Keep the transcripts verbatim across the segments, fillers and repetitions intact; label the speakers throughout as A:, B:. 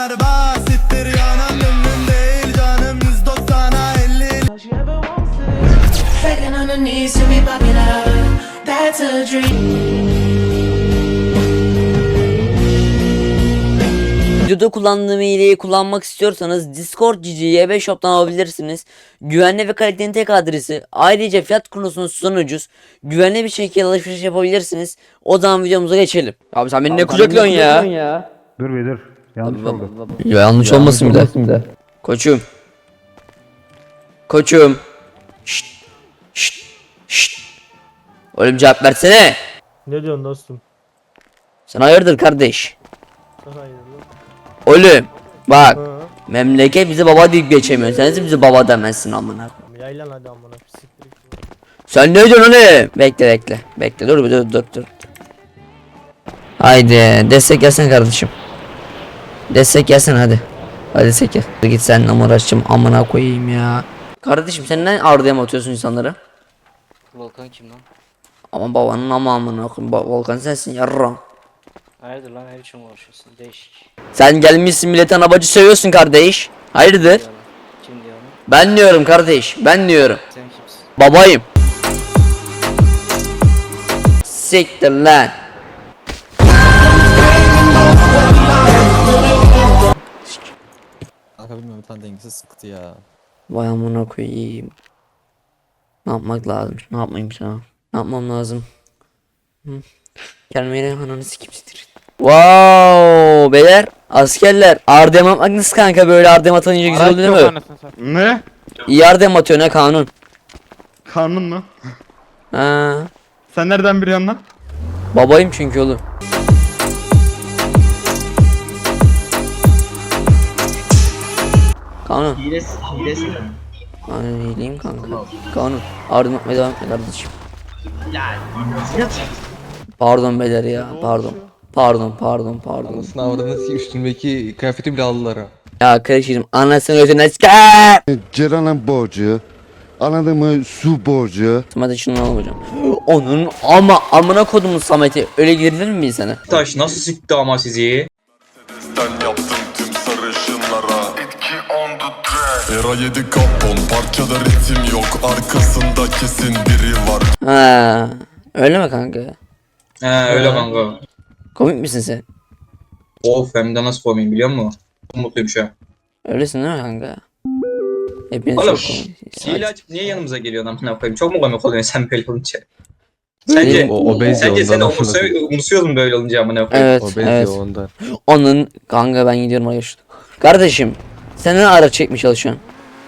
A: kadar basittir yanan gönlüm değil canım yüz doksana elli.
B: Begging on the knees to be popular, that's a dream.
C: Videoda kullandığım hileyi kullanmak istiyorsanız Discord G G Y B Shop'tan alabilirsiniz. Güvenli ve kaliteli tek adresi. Ayrıca fiyat konusunda susan ucuz. Güvenli bir şekilde alışveriş yapabilirsiniz. O zaman videomuza geçelim. Abi sen beni ne kucaklıyorsun ya? ya?
D: Dur be dur. Yanlış
C: Abi,
D: oldu.
C: baba, baba. Ya, yanlış ya, olmasın bir de. Koçum. Koçum. Şşt. Şşt. Şşt. Oğlum cevap versene.
E: Ne diyorsun dostum?
C: Sen hayırdır kardeş?
E: Hayır.
C: Oğlum bak.
E: Hı.
C: Memleket bize baba deyip geçemiyor. Sen de bize baba demezsin amına.
E: Yaylan hadi amına pisliktir.
C: Sen ne diyorsun oğlum? Bekle bekle. Bekle dur dur dur dur. Haydi destek gelsen kardeşim. Destek gelsen hadi. Hadi destek gel. Git sen uğraşacağım amına koyayım ya. Kardeşim sen ne ardıya mı atıyorsun insanları?
F: Volkan kim lan?
C: Ama babanın ama amına koyayım. Ba Volkan sensin yarra.
F: Hayırdır lan, her için uğraşıyorsun, değişik.
C: Sen gelmişsin milletin abacı seviyorsun kardeş. Hayırdır?
F: Kim diyor onu?
C: Ben diyorum kardeş. Ben diyorum.
F: Sen kimsin?
C: Babayım. Siktir lan.
G: Kanka bilmiyorum, bir tane dengesiz sıktı ya.
C: Vay amına koyayım. Ne yapmak lazım? Ne yapmayayım sana? Ne yapmam lazım? Hı? Gelmeyle ananı sikim siktir. Wow beyler askerler ardem atmak nasıl kanka, böyle ardem atınca güzel oluyor değil mi?
D: Ne?
C: İyi ardem atıyor ne kanun?
D: Karnın mı?
C: Ha,
D: Sen nereden biliyorsun lan?
C: babayım çünkü oğlum. Kanun.
H: Hilesi, hilesi mi?
C: Aynen iyileyim kanka. Kanun. Ardem atmaya devam et kardeşim. Pardon beyler ya pardon. Pardon pardon pardon.
G: Sınavlarınız üstündeki kıyafeti bile aldılar ha.
C: Ya kardeşim anasını özüne sikar.
I: Ceren'in borcu, anladın mı, su borcu.
C: Hadi şunu alalım hocam. Onun ama amına kodumun Samet'i öyle girilir mi sana?
H: Taş nasıl sikti ama sizi?
J: Sen yaptım tüm sarışınlara Etki on the track Era yedi kapon parçada ritim yok Arkasında kesin biri var.
C: Ha, öyle mi kanka?
H: He öyle kanka.
C: Komik misin sen?
H: Of hem de nasıl koymayayım biliyor musun? Çok mutluyum şu an.
C: Öylesin değil mi kanka? Hepiniz
H: Oğlum
C: çok komik.
H: hile açıp niye yanımıza geliyorsun amına koyayım? Çok mu komik oluyorsun sen böyle olunca? Sence,
G: O, o benziyor
H: sence sen
G: ondan.
H: umursuyor, umursuyor musun böyle olunca amına koyayım?
C: Evet
G: O benziyor
C: evet.
G: ondan.
C: Onun kanka ben gidiyorum arkadaşlar. Kardeşim sen ne ara çekmiş çalışıyorsun?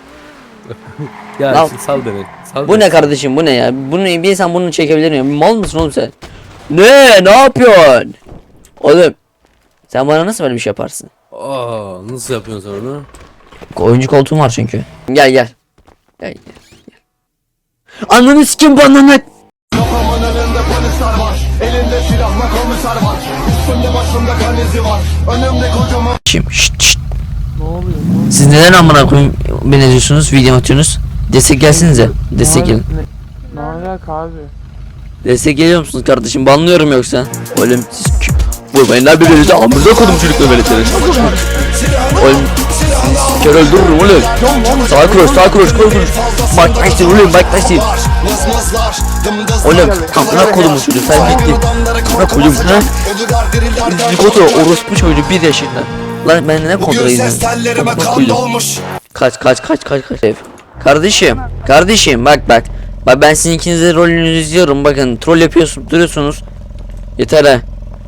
G: Ya
C: Lan,
G: sal beni. Sal
C: Bu
G: beni.
C: ne kardeşim bu ne ya? Bunu bir insan bunu çekebilir mi? Mal mısın oğlum sen? Ne? Ne yapıyorsun? Oğlum sen bana nasıl böyle bir şey yaparsın?
G: Aa, nasıl yapıyorsun sen onu?
C: Oyuncu koltuğum var çünkü. Gel gel. Gel gel. gel. Ananı sikim bu ananı.
A: Kafamın önünde polisler var, elinde silahla komiser var, üstümde başımda kan izi var, önümde kocaman.
C: Şşt şşt.
E: Ne oluyor?
C: Siz neden amına koyayım beni ediyorsunuz, video atıyorsunuz? Destek gelsinize. Destek gelin.
E: Ne alaka abi?
C: Destek geliyor musunuz kardeşim? Banlıyorum yoksa. Oğlum siz kü... Vurmayın lan birbirinize, amınıza kodum çocukla veletleri. Oğlum siz kör öldürürüm oğlum. Sağ kroş sağ kroş kroş kroş. Mike Tyson oğlum Mike Tyson. Oğlum amına kodum çocuk sen gittin. Amına kodum ha. Nikoto orospu çocuğu bir yaşında. Lan ben ne kontrol edeyim? Kaç kaç kaç kaç kaç. Kardeşim kardeşim bak bak. Bak ben sizin ikinizin rolünüzü izliyorum, bakın troll yapıyorsunuz duruyorsunuz. Yeter ha.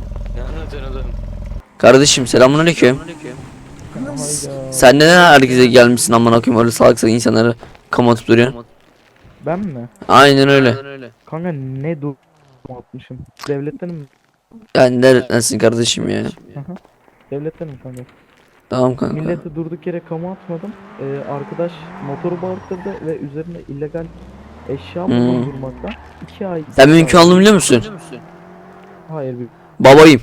C: Kardeşim selamünaleyküm. Sen neden herkese gelmişsin amına koyayım, öyle salak salak insanları kamatıp duruyorsun?
E: Ben mi?
C: Aynen öyle.
E: Kanka ne dur atmışım? Devletten mi?
C: Yani neredensin kardeşim ya?
E: Devletten mi kanka?
C: Tamam kanka.
E: Millete durduk yere kamu atmadım. Ee, arkadaş motoru bağırttırdı ve üzerine illegal eşya
C: Hmm.
E: bulundurmaktan iki ay.
C: Sen benim kanalımı biliyor musun?
E: Hayır bir.
C: Babayım.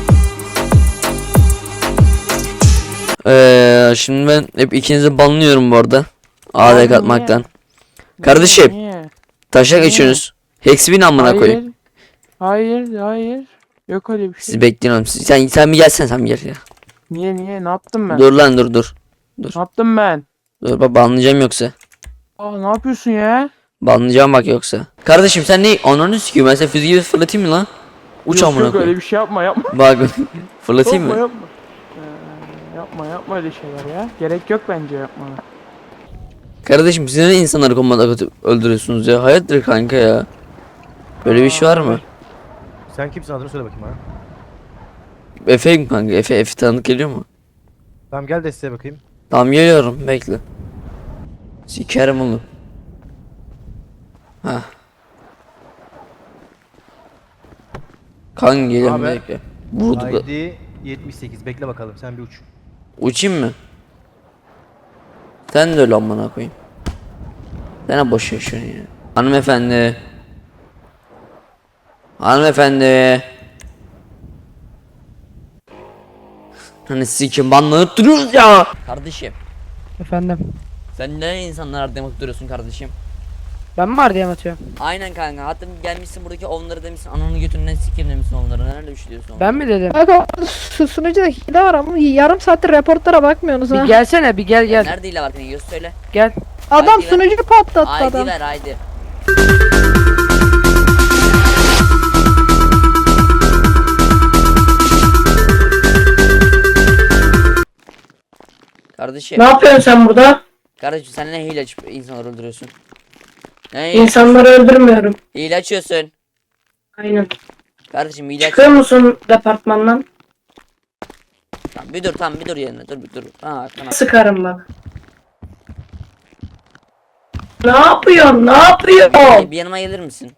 C: Eee şimdi ben hep ikinizi banlıyorum bu arada. A D katmaktan. Kardeşim taşak geçiyorsunuz. Hexbin amına koyayım.
E: Hayır, hayır. Yok öyle bir şey.
C: Sizi bekliyorum. Siz- Sen sen bir gelsen sen bir gel ya.
E: Niye niye? Ne yaptım ben?
C: Dur lan dur dur.
E: Ne yaptım ben?
C: Dur bak banlayacağım yoksa.
E: Aa ne yapıyorsun ya?
C: Banlayacağım bak yoksa. Kardeşim sen ne? Ananı sikiyor. Ben seni füze gibi fırlatayım mı lan? Uç
E: Yok,
C: amına
E: yok, öyle
C: koyayım.
E: bir şey yapma yapma.
C: Bak fırlatayım
E: yapma
C: mı?
E: yapma. Ee, yapma yapma öyle şeyler ya. Gerek yok bence yapmana.
C: Kardeşim siz ne insanları kombata katıp öldürüyorsunuz ya? Hayatdır kanka ya. Böyle bir şey var mı?
D: Sen kimsin adını söyle bakayım bana.
C: Efe mi kanka? Efe, Efe tanıdık geliyor mu?
D: Tamam gel desteğe bakayım.
C: Tamam geliyorum bekle. Sikerim onu. Hah. Kan geliyorum
D: Haber?
C: bekle. Vurduk.
D: I D yetmiş sekiz bekle bakalım sen bir uç.
C: Uçayım mı? Sen de öyle amına koyayım. Sen boş yaşıyorsun ya. Hanımefendi. Hanımefendi. Hani sikim banlanıp duruyoruz ya. Kardeşim.
K: Efendim.
C: Sen ne insanlar demek duruyorsun kardeşim?
K: Ben mi var diye mi atıyorum?
C: Aynen kanka. Hatta gelmişsin buradaki onları demişsin. Ananı götünden sikeyim demişsin onları. Nerede üşüyorsun?
K: Ben mi dedim?
B: Kanka su sunucuda hile var ama yarım saattir reportlara bakmıyorsunuz
K: Bir
B: ha.
K: gelsene bir gel gel.
C: Nerede ile var kanka? Göz söyle.
K: Gel.
B: Adam
C: Haydi ver.
B: sunucuyu patlattı
C: Haydi
B: adam.
C: ver haydi. Kardeşim.
B: Ne yapıyorsun sen burada?
C: Kardeşim sen ne hile açıp insanları öldürüyorsun? Ne hile,
B: İnsanları öldürmüyorum.
C: hile açıyorsun?
B: Aynen.
C: Kardeşim hile aç.
B: Çıkıyor musun departmandan?
C: Tamam, bir dur tamam bir dur yerine dur bir dur. Ha tamam.
B: Sıkarım bak. Ne yapıyorsun? Ne yapıyorsun?
C: Bir yanıma gelir misin?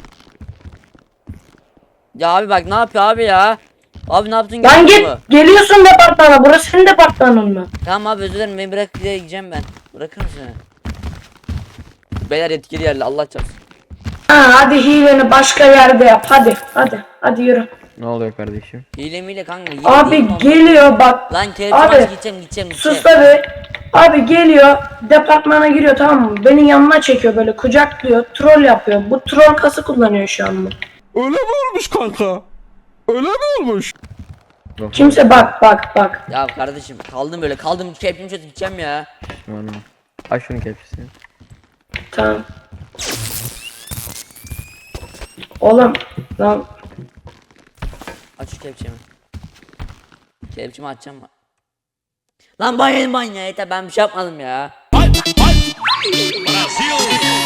C: Ya abi bak ne yapıyor abi ya? Abi ne yaptın?
B: Lan
C: gördün
B: git.
C: mü?
B: Geliyorsun departmana. Burası senin departmanın mı?
C: Tamam abi özür dilerim beni bırak diye gideceğim ben. Bırakır mısın beni? Beyler yetkili yerle Allah çarpsın.
B: Ha, hadi hileni başka yerde yap. Hadi. Hadi. Hadi yürü.
D: Ne oluyor kardeşim?
C: Hile miyle kanka hile
B: Abi
C: değil mi ama?
B: geliyor bak.
C: Lan kelepçe
B: Abi,
C: maçı gideceğim gideceğim gideceğim.
B: Sus tabi. Abi geliyor. Departmana giriyor, tamam mı? Beni yanına çekiyor, böyle kucaklıyor. Troll yapıyor. Bu troll kası kullanıyor şu an bu.
J: Öyle mi olmuş kanka? Öyle mi olmuş?
B: Kimse bak bak bak.
C: Ya kardeşim kaldım böyle kaldım kelepçemi çözüp gideceğim ya.
D: Aç şunun kelepçesini.
B: Tamam. Oğlum lan
C: Aç şu kelepçemi. Kelepçemi açacağım mı? Lan banyo banyo yeter ben bir şey yapmadım ya.